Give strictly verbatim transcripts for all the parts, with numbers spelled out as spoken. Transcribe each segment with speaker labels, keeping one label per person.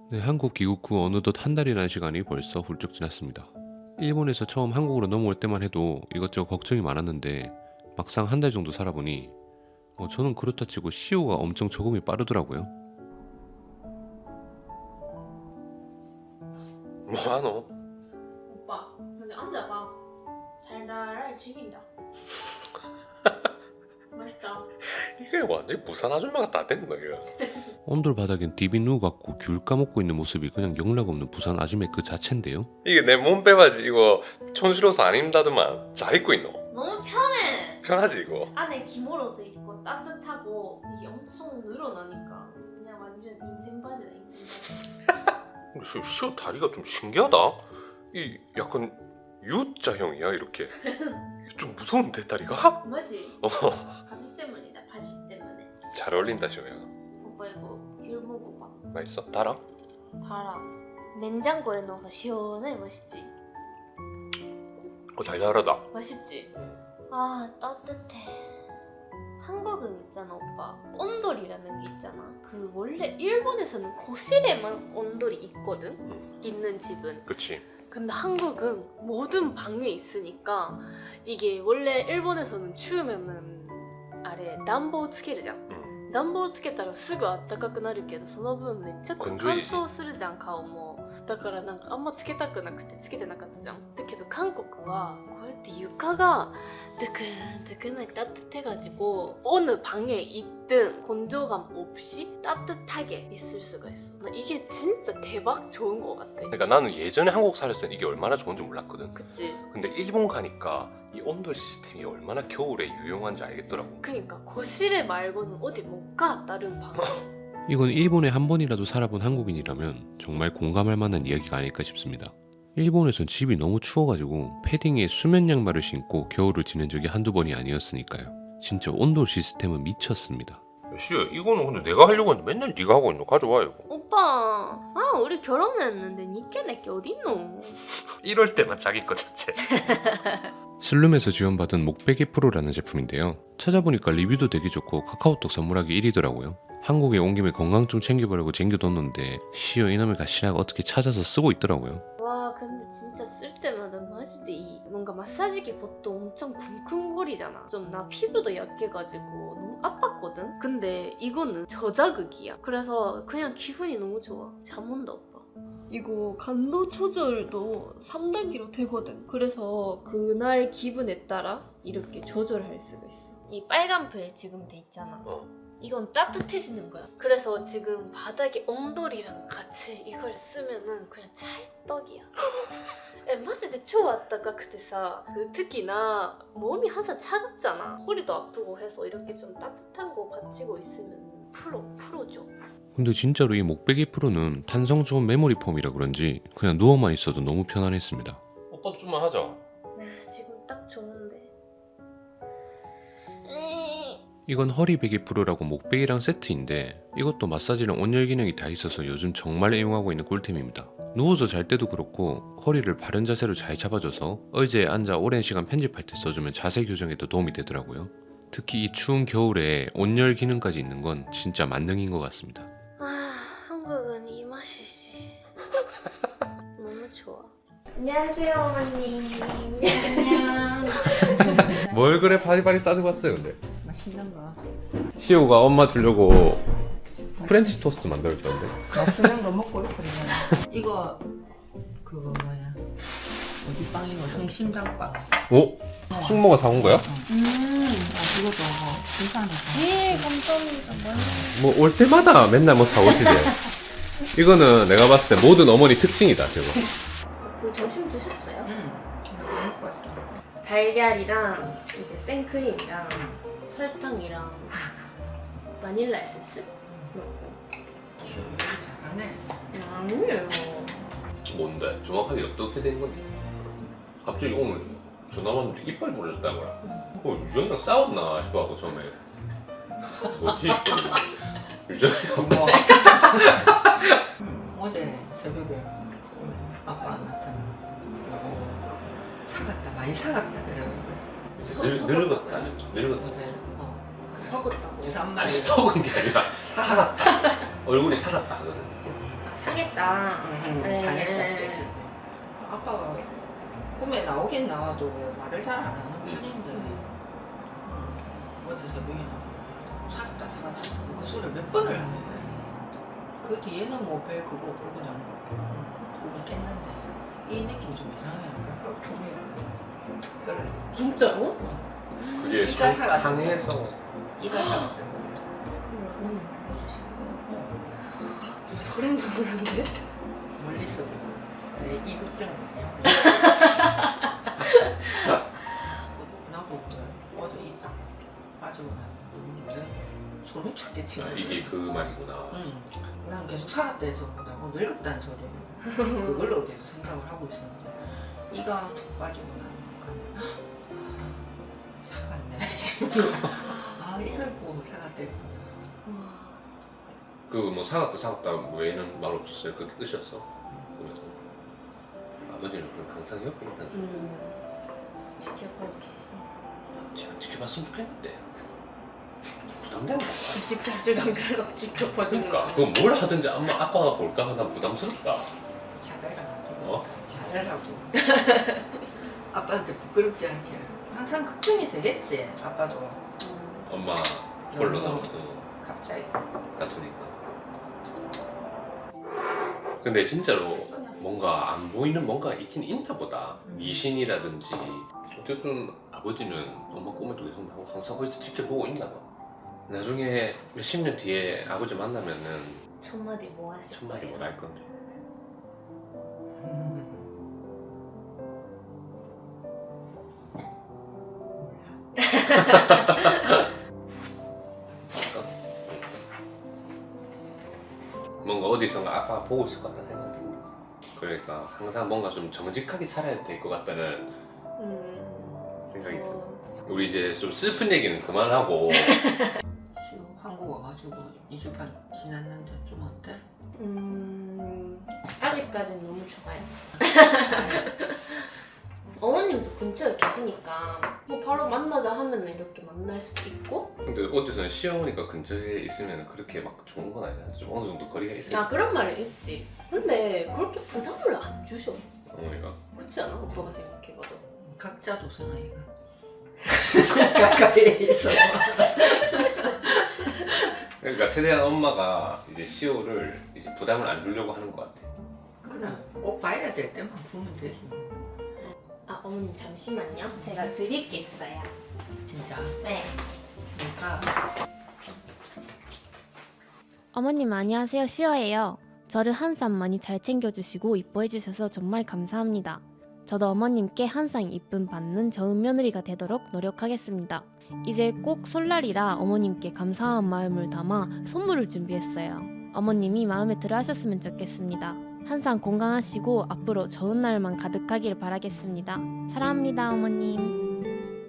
Speaker 1: 네, 한국 귀국 후 어느덧 한 달이라는 시간이 벌써 훌쩍 지났습니다. 일본에서 처음 한국으로 넘어올 때만 해도 이것저것 걱정이 많았는데 막상 한 달 정도 살아보니 어, 저는 그렇다 치고 시오가 엄청 적응이 빠르더라고요.
Speaker 2: 뭐하노?
Speaker 3: 오빠, 근데 앉아봐. 달달할 죽인다. 맛있다.
Speaker 2: 이게 완전 부산 아줌마가 다 됐나 이거.
Speaker 1: 온돌 바닥엔 디비 누워갖고 귤 까먹고 있는 모습이 그냥 영락 없는 부산 아줌의 그 자체인데요.
Speaker 2: 이게 내 몸빼바지 이거 촌스러워서 안 입는다더만 잘 입고 있노?
Speaker 3: 너무 편해.
Speaker 2: 편하지 이거?
Speaker 3: 안에 기모로도 있고 따뜻하고 이게 엄청 늘어나니까 그냥 완전 인생 바지다 인생 바지.
Speaker 2: 시, 시오 다리가 좀 신기하다. 이 약간 U자형이야 이렇게. 좀 무서운데 다리가?
Speaker 3: 맞지?
Speaker 2: 어.
Speaker 3: 바지 때문이다 바지 때문에.
Speaker 2: 잘 어울린다 시오야.
Speaker 3: 오빠 이거 귤 먹어봐.
Speaker 2: 맛있어? 달아?
Speaker 3: 달아. 냉장고에 넣어서 시원해. 맛있지?
Speaker 2: 어 달달하다.
Speaker 3: 맛있지? 아 따뜻해. 한국은 있잖아 오빠, 온돌이라는 게 있잖아. 그 원래 일본에서는 거실에만 온돌이 있거든.
Speaker 2: 응.
Speaker 3: 있는 집은.
Speaker 2: 그치.
Speaker 3: 근데 한국은 모든 방에 있으니까 이게 원래 일본에서는 추우면은 아래暖房つけるじゃん。
Speaker 2: 응.
Speaker 3: 暖房つけたらすぐあったかくなるけどその分めっちゃ乾
Speaker 2: 건조해지지.
Speaker 3: 燥するじゃん顔も。だからなんかあんまつけたくなくてつけてなかったじゃん。だけど韓国はこうやって床が뜨끈뜨끈하게 따뜻해가지고 어느 방에 있든 건조감 없이 따뜻하게 있을 수가 있어. 나 이게 진짜 대박 좋은 것 같아.
Speaker 2: 그러니까 나는 예전에 한국 살았을 때 이게 얼마나 좋은지 몰랐거든.
Speaker 3: 그치?
Speaker 2: 근데 일본 가니까 이 온돌 시스템이 얼마나 겨울에 유용한지 알겠더라고.
Speaker 3: 그니까 거실에 말고는 어디 못 가 다른 방.
Speaker 1: 이건 일본에 한 번이라도 살아본 한국인이라면 정말 공감할 만한 이야기가 아닐까 싶습니다. 일본에선 집이 너무 추워가지고 패딩에 수면 양말을 신고 겨울을 지낸 적이 한두 번이 아니었으니까요. 진짜 온돌 시스템은 미쳤습니다.
Speaker 2: 시야 이거는 근데 내가 하려고 했는데 맨날 네가 하고 있노? 가져와 이거.
Speaker 3: 오빠, 아 우리 결혼했는데 니께 내게 어딨노?
Speaker 2: 이럴 때만 자기 거 자체.
Speaker 1: 슬룸에서 지원받은 목베개 프로라는 제품인데요. 찾아보니까 리뷰도 되게 좋고 카카오톡 선물하기 일 위더라고요. 한국에 온 김에 건강 좀 챙겨보려고 챙겨뒀는데 시어 이놈의 가시나가 어떻게 찾아서 쓰고 있더라고요.
Speaker 3: 와 근데 진짜 쓸 때마다 마지데 이 뭔가 마사지기 보통 엄청 쿵쿵거리잖아. 좀 나 피부도 약해가지고 너무 아팠거든. 근데 이거는 저자극이야. 그래서 그냥 기분이 너무 좋아. 잠 온다 오빠. 이거 간도 조절도 삼 단계로 되거든. 그래서 그날 기분에 따라 이렇게 조절할 수가 있어. 이 빨간 불 지금 돼 있잖아.
Speaker 2: 어.
Speaker 3: 이건 따뜻해지는 거야. 그래서 지금 바닥에 온돌이랑 같이 이걸 쓰면은 그냥 찰떡이야. 에, 마지데超 あったかくてさ, 그 특히 나 몸이 항상 차갑잖아. 허리도 아프고 해서 이렇게 좀 따뜻한 거 받치고 있으면 풀어, 풀어줘.
Speaker 1: 근데 진짜로 이 목베개 프로는 탄성 좋은 메모리 폼이라 그런지 그냥 누워만 있어도 너무 편안했습니다.
Speaker 2: 오빠도 좀만 하자.
Speaker 3: 네, 지금 딱 좋은데.
Speaker 1: 이건 허리베개 프로라고 목베개랑 세트인데 이것도 마사지랑 온열 기능이 다 있어서 요즘 정말 애용하고 있는 꿀템입니다. 누워서 잘 때도 그렇고 허리를 바른 자세로 잘 잡아줘서 의자에 앉아 오랜 시간 편집할 때 써주면 자세 교정에도 도움이 되더라고요. 특히 이 추운 겨울에 온열 기능까지 있는 건 진짜 만능인 것 같습니다.
Speaker 3: 아, 한국은 이 맛이지. 너무 좋아. 안녕하세요, 어머님.
Speaker 4: 안녕.
Speaker 1: 뭘 그래 바리바리 싸들고 왔어요 근데?
Speaker 4: 맛있는 거.
Speaker 1: 시오가 엄마 주려고 프렌치 토스트 만들었던데.
Speaker 4: 맛있는 거 먹고 있어. 그냥. 이거 그거 뭐야? 어디 빵이고 성심당빵.
Speaker 1: 오? 숙모가 사온 거야?
Speaker 4: 음. 아 이것도 뭐 비싸네.
Speaker 3: 예, 감사합니다.
Speaker 1: 뭐 올 때마다 맨날 뭐 사오시지. 이거는 내가 봤을 때 모든 어머니 특징이다 저거.
Speaker 3: 그 점심 드셨어요?
Speaker 4: 응. 이거 먹고 왔어.
Speaker 3: 달걀이랑 이제 생크림이랑 설탕이랑 바닐라 에센스 넣고.
Speaker 4: 여기 잘하네.
Speaker 3: 아니에요.
Speaker 2: 뭔데? 정확하게 어떻게 된 건데? 갑자기 오늘 전화 왔는데 이빨 부러졌다는 거야. 어, 유정이랑 싸웠나 싶어갖고 처음에 뭐지 싶었는데 유정이랑
Speaker 4: 뭐. 어제 새벽에 아빠 안 나타나. 어, 사갔다 많이 사갔다 이러는 거야.
Speaker 3: 서-
Speaker 2: 늙,
Speaker 3: 서갔다.
Speaker 2: 늙었다 늙었다.
Speaker 4: 어제 어
Speaker 3: 아, 석었다고.
Speaker 4: 부산
Speaker 2: 아니
Speaker 4: 말이
Speaker 2: 썩은 게 아니라 사갔다. 얼굴이 사갔다 그거는.
Speaker 3: 아, 상했다.
Speaker 4: 응,
Speaker 3: 네.
Speaker 4: 상했다는 뜻이지. 아빠가 꿈에 나오긴 나와도 말을 잘 안 하는
Speaker 2: 음.
Speaker 4: 편인데 음. 어제 새벽에 사갔다 사갔다 그 소리를 몇 번을 하는 거야. 그 뒤에는 뭐 별 그거 없고 그냥 음, 꿈이 깼는데 이 느낌 좀 이상해. 꿈이 툭 떨어져.
Speaker 3: 진짜로?
Speaker 2: 그게
Speaker 4: 이가
Speaker 2: 상,
Speaker 4: 사가지고.
Speaker 2: 상해서
Speaker 4: 이가 사갔던 거야.
Speaker 3: 그걸 어머님 보여주신 거예요? 좀 소름 돋는데?
Speaker 4: 멀리서 내 이국증을 많이 하고 나도 그래. 어제 이딱 빠지고 나는데 소름 쳤게
Speaker 2: 아,
Speaker 4: 치고
Speaker 2: 이게 그 말이구나.
Speaker 4: 응. 난 계속 사갔다 해서 나고 늙었다는 소리를 그걸로 계속 생각을 하고 있었는데 이가 툭 빠지고 나니까 아, 사갔네 싶어. 아 이걸 보고 사갔댔구나.
Speaker 2: 그 뭐 사갔다 사갔다 외에는 말 없었어요? 그게 끝이었어? 그래서 아버지는 그럼 항상 옆에 있다는 소리.
Speaker 3: 음, 지켜보고 계시.
Speaker 2: 제가 지켜봤으면 좋겠는데 부담된다.
Speaker 3: 식사실감 계속 지켜보시는
Speaker 2: 그러니까 그거 뭘 하든지 엄마 아빠가 볼까 난 부담스럽다.
Speaker 4: 잘해라고.
Speaker 2: 어?
Speaker 4: 잘해라고. 아빠한테 부끄럽지 않게 항상 걱정이 되겠지. 아빠도
Speaker 2: 엄마 홀로
Speaker 4: 너무
Speaker 2: 남고
Speaker 4: 갑자기.
Speaker 2: 갔으니까. 근데 진짜로 뭔가 안 보이는 뭔가 있긴 있나 보다.
Speaker 4: 음.
Speaker 2: 미신이라든지 어쨌든 아버지는 엄마 꿈에도 계속 항상 거기서 지켜보고 있나 봐. 나중에 몇십 년 뒤에 아버지 만나면은
Speaker 3: 첫 마디 뭐 하실
Speaker 2: 첫 마디
Speaker 3: 거예요?
Speaker 2: 뭘 할 건데. 뭔가 어디선가 아빠가 보고 있을 것 같다 생각 든다. 그러니까 항상 뭔가 좀 정직하게 살아야 될 것 같다는
Speaker 3: 음,
Speaker 2: 생각이 든다.
Speaker 3: 저...
Speaker 2: 우리 이제 좀 슬픈 얘기는 그만하고
Speaker 4: 시우 한국 와가지고 이 주 반 지났는데 좀 어때?
Speaker 3: 음... 아직까지는 너무 좋아요. 어머님도 근처에 계시니까 뭐 바로 만나자 하면 이렇게 만날 수도 있고.
Speaker 2: 근데 어디서는 시어머니가 근처에 있으면 그렇게 막 좋은 건 아니야. 좀 어느 정도 거리가 있어야
Speaker 3: 아 그런 말은 있지. 근데 그렇게 부담을 안 주셔.
Speaker 2: 어머니가.
Speaker 3: 그렇지 않아? 오빠가 생각해봐도.
Speaker 4: 각자 도생아이가 가까이에 있어.
Speaker 2: 그러니까 최대한 엄마가 이제 시호를 이제 부담을 안 주려고 하는 것 같아.
Speaker 4: 그래 꼭 봐야 될 때만 보면 되지.
Speaker 3: 아 어머님 잠시만요. 제가 드릴 게 있어요.
Speaker 4: 진짜
Speaker 3: 네.
Speaker 4: 내가
Speaker 5: 어머님 안녕하세요. 시어예요. 저를 항상 많이 잘 챙겨주시고 이뻐해주셔서 정말 감사합니다. 저도 어머님께 항상 이쁨 받는 좋은 며느리가 되도록 노력하겠습니다. 이제 꼭 설날이라 어머님께 감사한 마음을 담아 선물을 준비했어요. 어머님이 마음에 들어 하셨으면 좋겠습니다. 항상 건강하시고 앞으로 좋은 날만 가득하길 바라겠습니다. 사랑합니다 어머님.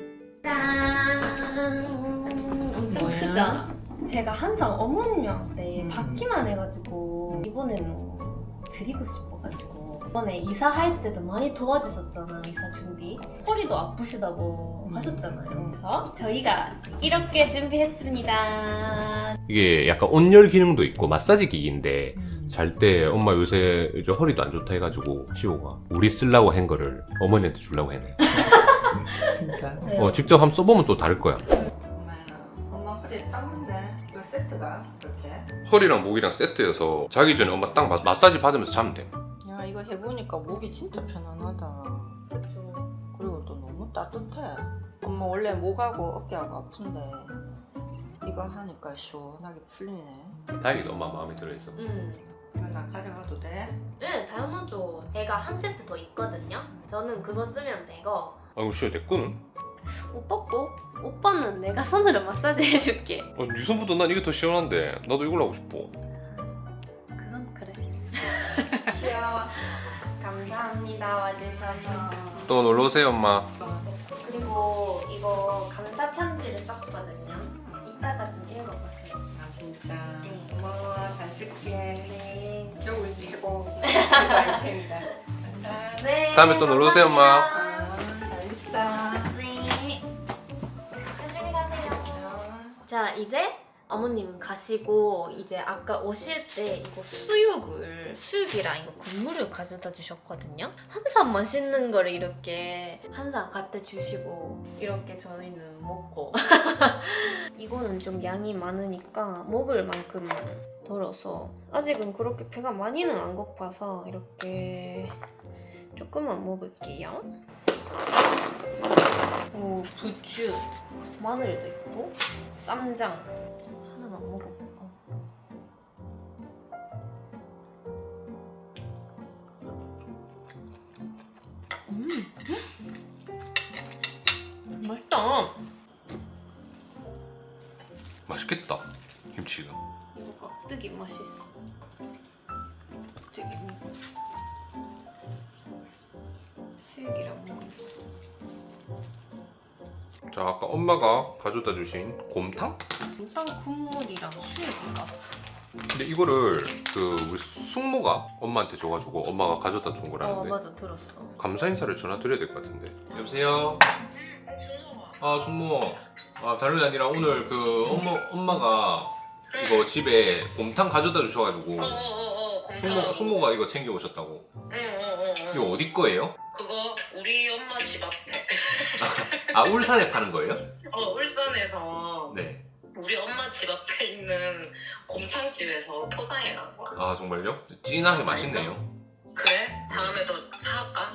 Speaker 3: 짠! 엄청
Speaker 4: 뭐야?
Speaker 3: 크죠? 제가 항상 어머님한테
Speaker 4: 음.
Speaker 3: 받기만 해가지고 이번에는 드리고 싶어가지고 이번에 이사할 때도 많이 도와주셨잖아요. 이사 준비 허리도 아프시다고
Speaker 4: 음.
Speaker 3: 하셨잖아요. 그래서 저희가 이렇게 준비했습니다.
Speaker 1: 이게 약간 온열 기능도 있고 마사지 기기인데
Speaker 4: 음.
Speaker 1: 잘 때 엄마 요새 이제 허리도 안 좋다 해가지고 시호가 우리 쓰려고 한 거를 어머니한테 주려고 했네.
Speaker 4: 진짜
Speaker 3: 네.
Speaker 1: 어, 직접 한번 써보면 또 다를 거야.
Speaker 4: 엄마야 엄마 허리에 땀 묻네. 그 세트가 그렇게.
Speaker 1: 허리랑 목이랑 세트여서 자기 전에 엄마 딱 마, 마사지 받으면서 자면 돼.
Speaker 4: 야 이거 해보니까 목이 진짜 편안하다.
Speaker 3: 그렇죠.
Speaker 4: 그리고 또 너무 따뜻해. 엄마 원래 목하고 어깨하고 아픈데 이거 하니까 시원하게 풀리네.
Speaker 2: 다행히도 엄마 마음에 들어있어.
Speaker 3: 음.
Speaker 4: 이거 나 가져가도 돼?
Speaker 3: 네, 당연하죠. 제가 한 세트 더 있거든요. 저는 그거 쓰면 되고
Speaker 1: 아이고 시호 내 거는?
Speaker 3: 오빠 거? 오빠는 내가 손으로 마사지 해줄게.
Speaker 1: 어, 네 손보다 난 이게 더 시원한데 나도 이걸로 하고 싶어.
Speaker 3: 그건 그래.
Speaker 4: 귀여워.
Speaker 3: 감사합니다 와주셔서.
Speaker 1: 또 놀러 오세요 엄마.
Speaker 3: 그리고 이거 감사 편지를 썼거든요. 이따가 좀 읽어보세요.
Speaker 4: 아 진짜
Speaker 3: 네.
Speaker 4: 고마워. 잘 쓸게.
Speaker 3: 네.
Speaker 4: 겨울 최고 아이템이다. 감사합니다.
Speaker 3: 네.
Speaker 1: 다음에 또 놀러 오세요, 엄마.
Speaker 3: 감사합니다.
Speaker 4: 아, 잘 있어.
Speaker 3: 네. 조심히 가세요.
Speaker 4: 어.
Speaker 3: 자 이제 어머님은 가시고 이제 아까 오실 때 이거 수육을 수육이랑 이거 국물을 가져다 주셨거든요. 항상 맛있는 거를 이렇게 항상 갖다 주시고 이렇게 저희는 먹고 이거는 좀 양이 많으니까 먹을 만큼만 덜어서 아직은 그렇게 배가 많이는 안 고파서 이렇게 조금만 먹을게요. 오, 부추, 마늘도 있고 쌈장 하나만 먹어볼까? 음, 음. 맛있다.
Speaker 1: 맛있겠다. 김치가.
Speaker 3: 이거 깍두기 맛있어. 깍두기 먹어. 수육이랑 먹는 거.
Speaker 1: 자, 아까 엄마가 가져다 주신 곰탕?
Speaker 3: 일단 국물이랑 수육인가?
Speaker 1: 근데 이거를 그 우리 숙모가 엄마한테 줘가지고 엄마가 가져다 준
Speaker 3: 어
Speaker 1: 거라는데
Speaker 3: 맞아 들었어.
Speaker 1: 감사 인사를 전화 드려야 될 것 같은데. 여보세요. 아 숙모. 아 다른 게 아니라 오늘 그 엄마 엄마가 이거 집에 곰탕 가져다 주셔가지고
Speaker 6: 어어어
Speaker 1: 숙모 숙모가 이거 챙겨 오셨다고.
Speaker 6: 응어어어
Speaker 1: 이거 어디 거예요?
Speaker 6: 그거 우리 엄마 집 앞에
Speaker 1: 아 울산에 파는 거예요?
Speaker 6: 어 울산에서
Speaker 1: 네.
Speaker 6: 우리 엄마 집 앞에 있는 곰탕집에서 포장해 간 거야.
Speaker 1: 아 정말요? 진하게 맛있네요.
Speaker 6: 그래? 다음에도 사갈까?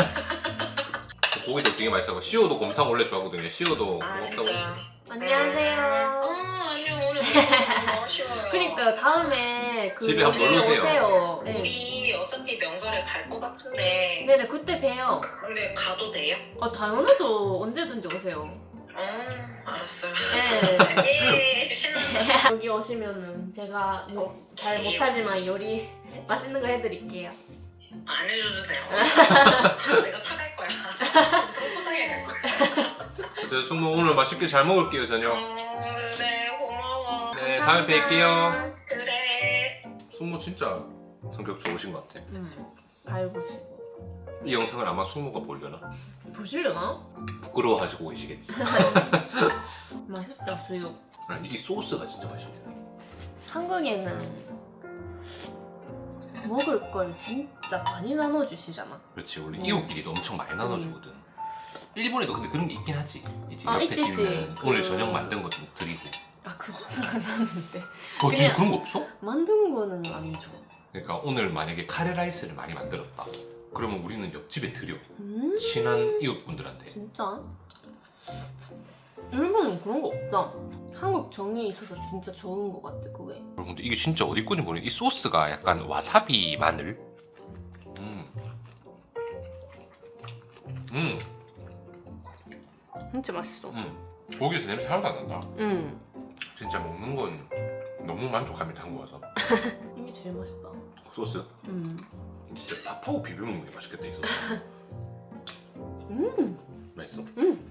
Speaker 1: 고기도 되게 맛있어요. 시오도 곰탕 원래 좋아하거든요. 시오도
Speaker 6: 아
Speaker 1: 먹다고.
Speaker 6: 진짜.
Speaker 3: 안녕하세요.
Speaker 6: 어 아니요 오늘 너무 아쉬워요.
Speaker 3: 그러니까 다음에 그
Speaker 1: 집에 한번
Speaker 3: 여기
Speaker 1: 놀러 오세요.
Speaker 3: 오세요. 네.
Speaker 6: 우리 어차피 명절에 갈 것 같은데
Speaker 3: 네네 그때 봬요.
Speaker 6: 근데 가도 돼요?
Speaker 3: 아 당연하죠. 언제든지 오세요.
Speaker 6: 어 알았어요.
Speaker 3: 네.
Speaker 6: 예 신난다.
Speaker 3: 여기 오시면은 제가 뭐 잘 못하지만 요리 맛있는 거 해드릴게요.
Speaker 6: 안 해줘도 돼요. 내가 사갈 거야. 포장해 갈 거야.
Speaker 1: 저 숙모 오늘 맛있게 잘 먹을게요 저녁.
Speaker 6: 어, 네, 고마워.
Speaker 1: 네 다음에 뵐게요.
Speaker 6: 그래.
Speaker 1: 숙모 진짜 성격 좋으신 것 같아.
Speaker 3: 음, 잘 보시고.
Speaker 1: 이 영상을 아마 숙모가 보려나?
Speaker 3: 보시려나?
Speaker 1: 부끄러워하시고 계시겠지.
Speaker 3: 맛있다 수육.
Speaker 1: 아니, 이 소스가 진짜 맛있네.
Speaker 3: 한국에는 먹을 걸 진짜 많이 나눠주시잖아.
Speaker 1: 그렇지 원래
Speaker 3: 음.
Speaker 1: 이웃끼리도 엄청 많이 나눠주거든. 일본에도 근데 그런 게 있긴 하지. 이제
Speaker 3: 아,
Speaker 1: 옆에
Speaker 3: 있지, 있지.
Speaker 1: 집은 오늘
Speaker 3: 그-
Speaker 1: 저녁 만든 거 좀 드리고.
Speaker 3: 아 그거는 안 하는데
Speaker 1: 어 진짜
Speaker 3: 그냥-
Speaker 1: 그런 거 없어?
Speaker 3: 만든 거는 안 줘.
Speaker 1: 그러니까 오늘 만약에 카레라이스를 많이 만들었다. 그러면 우리는 옆집에 드려.
Speaker 3: 음
Speaker 1: 친한 이웃분들한테.
Speaker 3: 진짜? 일본은 그런 거 없다. 한국 정이 있어서 진짜 좋은 거 같아 그게.
Speaker 1: 여러분들 이게 진짜 어디 건지 모르겠는데 이 소스가 약간 와사비 마늘. 음. 음.
Speaker 3: 진짜 맛있어.
Speaker 1: 음. 고기에서 냄새 하나도 안 난다.
Speaker 3: 음
Speaker 1: 진짜 먹는 건 너무 만족합니다 한국 와서.
Speaker 3: 이게 제일 맛있다.
Speaker 1: 소스
Speaker 3: 음
Speaker 1: 진짜 밥하고 비벼 먹는 게 맛있겠다 이 소스.
Speaker 3: 음.
Speaker 1: 맛있어?
Speaker 3: 음.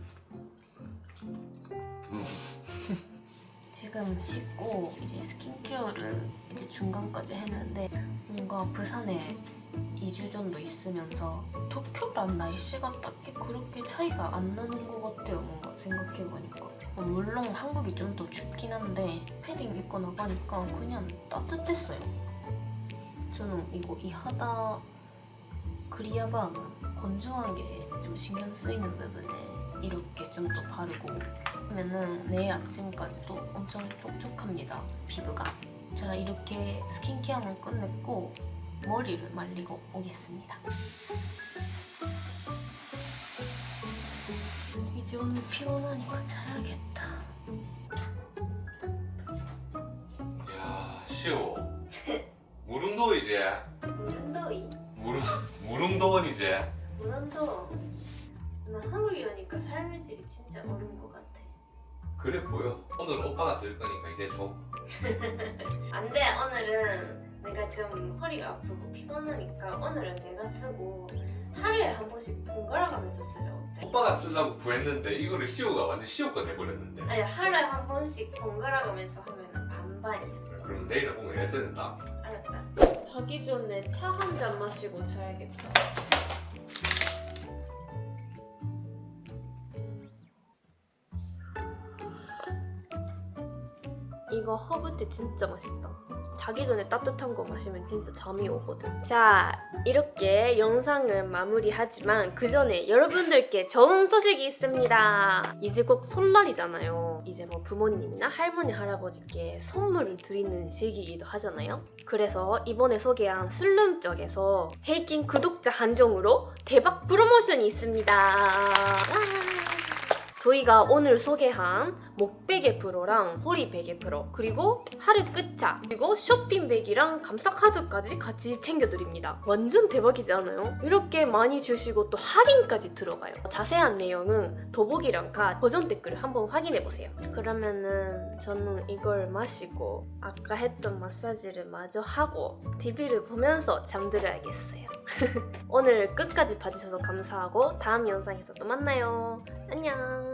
Speaker 1: 음.
Speaker 3: 지금 씻고 이제 스킨케어를 이제 중간까지 했는데 뭔가 부산에 이 주 정도 있으면서 도쿄랑 날씨가 딱히 그렇게 차이가 안 나는 것 같아요. 뭔가 생각해보니까 물론 한국이 좀 더 춥긴 한데 패딩 입고 나가니까 그냥 따뜻했어요. 저는 이거 이 하다 크리아밤 건조한 게 좀 신경 쓰이는 부분에 이렇게 좀 더 바르고 하면은 내일 아침까지도 엄청 촉촉합니다 피부가. 자 이렇게 스킨케어는 끝냈고 머리를 말리고 오겠습니다. 이제 오늘 피곤하니까 자야겠다.
Speaker 1: 야 시오. 무릉도 이제.
Speaker 3: 무른더이
Speaker 1: 무릉 무릉도원 이제.
Speaker 3: 무른더. 나 한국에 오니까 삶의 질이 진짜 어려운 것 같아.
Speaker 1: 그래 보여. 오늘 오빠가 쓸 거니까 이제 줘.
Speaker 3: 안돼 오늘은 내가 좀 허리가 아프고 피곤하니까 오늘은 내가 쓰고 하루에 한 번씩 번갈아 가면서 쓰자 어때?
Speaker 1: 오빠가 쓰자고 구했는데 이거를 시오가 완전 시오 거 돼버렸는데.
Speaker 3: 아니 하루에 한 번씩 번갈아 가면서 하면 반반이야.
Speaker 1: 그럼 내일은 꼭 내가 써야 된다.
Speaker 3: 알았다. 자기 전에 차 한 잔 마시고 자야겠다. 이거 허브티 진짜 맛있다. 자기 전에 따뜻한 거 마시면 진짜 잠이 오거든. 자, 이렇게 영상을 마무리하지만 그 전에 여러분들께 좋은 소식이 있습니다. 이제 곧 설날이잖아요. 이제 뭐 부모님이나 할머니, 할아버지께 선물을 드리는 시기이기도 하잖아요. 그래서 이번에 소개한 슬룸 쪽에서 헤이킹 구독자 한정으로 대박 프로모션이 있습니다. 와! 저희가 오늘 소개한 목베개 프로랑 허리 베개 프로, 그리고 하르 끝차, 그리고 쇼핑백이랑 감사카드까지 같이 챙겨드립니다. 완전 대박이지 않아요? 이렇게 많이 주시고 또 할인까지 들어가요. 자세한 내용은 더보기란과 고정 댓글을 한번 확인해보세요. 그러면은 저는 이걸 마시고 아까 했던 마사지를 마저 하고 티비를 보면서 잠들어야겠어요. 오늘 끝까지 봐주셔서 감사하고 다음 영상에서 또 만나요. 안녕.